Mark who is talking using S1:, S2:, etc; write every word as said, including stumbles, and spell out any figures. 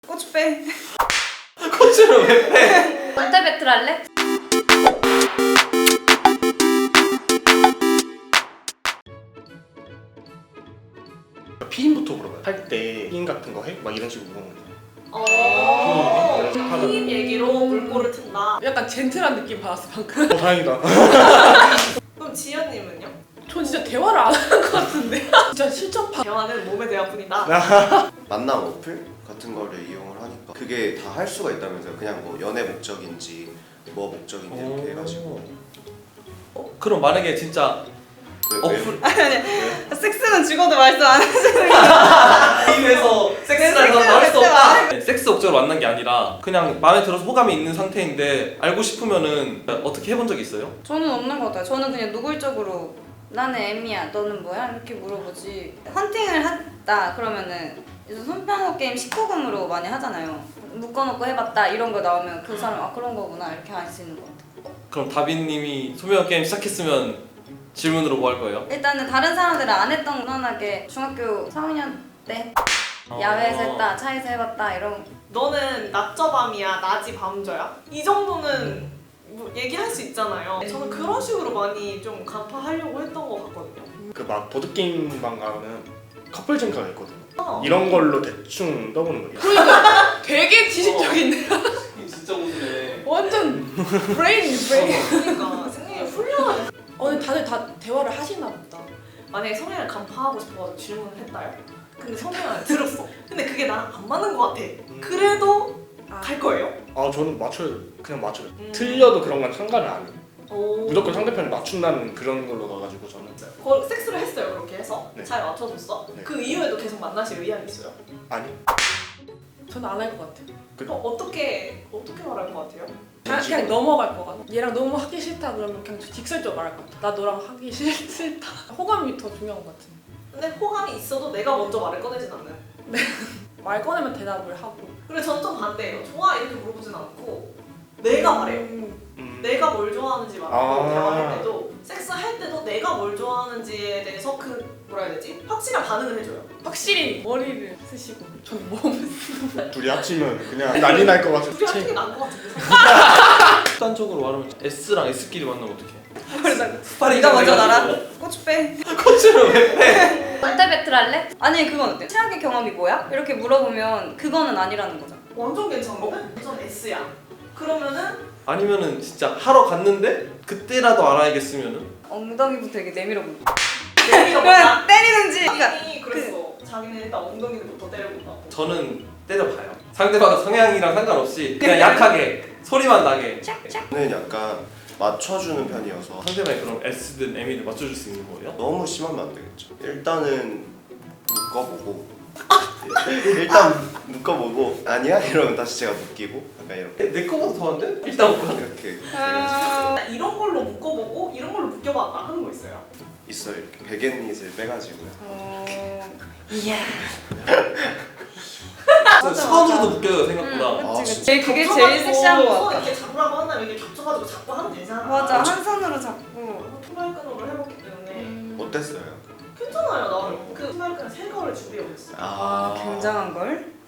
S1: 고추 빼.
S2: 고추를 왜 빼?
S3: 원태 배틀 할래?
S4: 피임부터 물어봐요. 할 때 피임 같은 거 해? 막 이런 식으로 물어보는
S5: 어.
S4: 거예요.
S5: 피임 얘기로 물꼬를 튼다.
S6: 약간 젠틀한 느낌 받았어 방금.
S4: 어 다행이다.
S5: 그럼 지연님은요?
S6: 전 진짜 대화를 안 하는 것 같은데. 진짜 실전파.
S5: 대화는 몸의 대화뿐이다.
S7: 만남 어플 같은 거를 이용을 하니까 그게 다 할 수가 있다면서요. 그냥 뭐 연애 목적인지 뭐 목적인지 이렇게 해가지고.
S2: 어, 그럼 만약에 진짜
S7: 왜, 왜?
S2: 어플
S1: 섹스는 죽어도 말씀 안 하시는 거.
S2: 게임에서 섹스라는 건 말할 수
S1: 섹스
S2: 없다. 네, 섹스 목적으로 만난 게 아니라 그냥 마음에 들어서 호감이 있는 상태인데 알고 싶으면은 어떻게 해본 적 있어요?
S1: 저는 없는 것 같아요. 저는 그냥 노골적으로 나는 M이야, 너는 뭐야? 이렇게 물어보지. 헌팅을 했다 그러면은 요즘 손편호 게임 십구 금으로 많이 하잖아요. 묶어놓고 해봤다 이런 거 나오면 그 사람 아 그런 거구나 이렇게 알 수 있는 것 같아요.
S2: 그럼 다빈님이 소명 게임 시작했으면 질문으로 뭐 할 거예요?
S1: 일단은 다른 사람들은 안 했던 무난하게 중학교 삼 학년 때 야외에서 했다, 차에서 해봤다 이런.
S5: 너는 낮저 밤이야, 낮이 밤저야? 이 정도는 뭐 얘기할 수 있잖아요. 저는 그런 식으로 많이 좀 간파하려고 했던 것 같거든요.
S4: 그 막 보드 게임방 가면 커플 쟁카가 있거든요.
S5: 어.
S4: 이런 걸로 대충 떠보는 거예요.
S6: 그러니까 되게 지식적인데요.
S2: 진짜 웃네.
S6: 완전 브레인 브레인.
S5: 그러니까 승리를 훌륭하네.
S6: 어 근데 다들 다 대화를 하시나 보다.
S5: 만약에 성향을 간파하고 싶어서 질문을 했다요? 근데 성향을 들었어. 근데 그게 나랑 안 맞는 것 같아. 그래도 갈 거예요?
S4: 아 저는 맞춰요. 그냥 맞춰요.
S5: 음.
S4: 틀려도 그런 건 상관을 안 해요.
S5: 오.
S4: 무조건 상대편을 맞춘다는 그런 걸로 가가지고 저는
S5: 거, 섹스를 했어요 그렇게 해서?
S4: 네.
S5: 잘 맞춰줬어?
S4: 네.
S5: 그 이후에도 계속 만나실 의향이 있어요?
S4: 아니
S6: 저는 안 할 것 같아요.
S5: 그럼 어떻게 어떻게 말할 것 같아요?
S6: 그냥, 그냥 넘어갈 것 같아. 얘랑 너무 하기 싫다 그러면 그냥 직설적으로 말할 것 같아. 나 너랑 하기 싫, 싫다. 호감이 더 중요한 것 같은데.
S5: 근데 호감이 있어도 내가 먼저 말을 꺼내진 않는.
S6: 말 꺼내면 대답을 하고.
S5: 그리고 전 좀 반대예요. 좋아 이렇게 물어보진 않고 내가 말해요.
S6: 음,
S4: 음,
S5: 내가 뭘 좋아하는지 말하고
S4: 아.
S5: 대화할 때도 섹스 할 때도 내가 뭘 좋아하는지에 대해서 그 뭐라 해야 되지? 확실한 반응을 해줘요.
S6: 확실히 머리를 쓰시고 저는 몸을 쓰고.
S4: 둘이 합치면 그냥 난리 날 것 같은.
S5: 둘이 하는 게 나은 것 같은데.
S2: 극단적으로 말하면 S랑 S끼리 만나면 어떡해?
S1: 네가 먼저 나라. 고추 빼.
S2: 고추를 왜 빼?
S3: 원태 배틀 할래?
S1: 아니 그건 어때? 최악의 경험이 뭐야? 이렇게 물어보면 그거는 아니라는 거잖아.
S5: 완전 괜찮은데? 완전 S야. 그러면은
S2: 아니면은 진짜 하러 갔는데 그때라도 알아야겠으면은
S1: 엉덩이부터 이렇게 내밀어 보고.
S5: 내밀어
S1: 그냥
S5: 본다.
S1: 때리는지. 그러니까
S5: 자기는 그랬어. 자기는 일단 엉덩이부터 때려본다고.
S2: 저는 때려봐요. 상대방 성향이랑 상관없이 그냥 약하게 소리만 나게
S7: 저는 약간 맞춰주는 편이어서
S2: 상대방이 그럼 S든 M이든 맞춰줄 수 있는 거예요?
S7: 너무 심하면 안 되겠죠. 일단은 묶어보고 일단 묶어보고 아니야? 이러면 다시 제가 묶이고 약간 이렇게
S2: 내, 내 거보다 더한데? 일단 먹고
S7: 이렇게
S1: 아...
S5: 이런 걸로 묶어보고 이런 걸로 묶여봤다 하는 거 있어요?
S7: 있어요. 이렇게 베갯잇을 빼가지고요.
S1: 어... 이야.
S2: 수건으로도 묶여요 생각보다.
S1: 응,
S7: 아,
S1: 그치, 그치.
S7: 진짜?
S1: 그게 제일 섹시한 거
S5: 손
S1: 같아.
S5: 이렇게 잡으라고 한다면 이렇게 겹쳐가지고 잡고 하면 되잖아.
S1: 맞아, 한 손으로 잡고.
S5: 투발끈으로 해봤기 때문에
S1: 음...
S7: 어땠어요?
S5: 괜찮아요 나는. 그 투발끈 세 거를 준비해봤어요.
S1: 아, 굉장한 걸.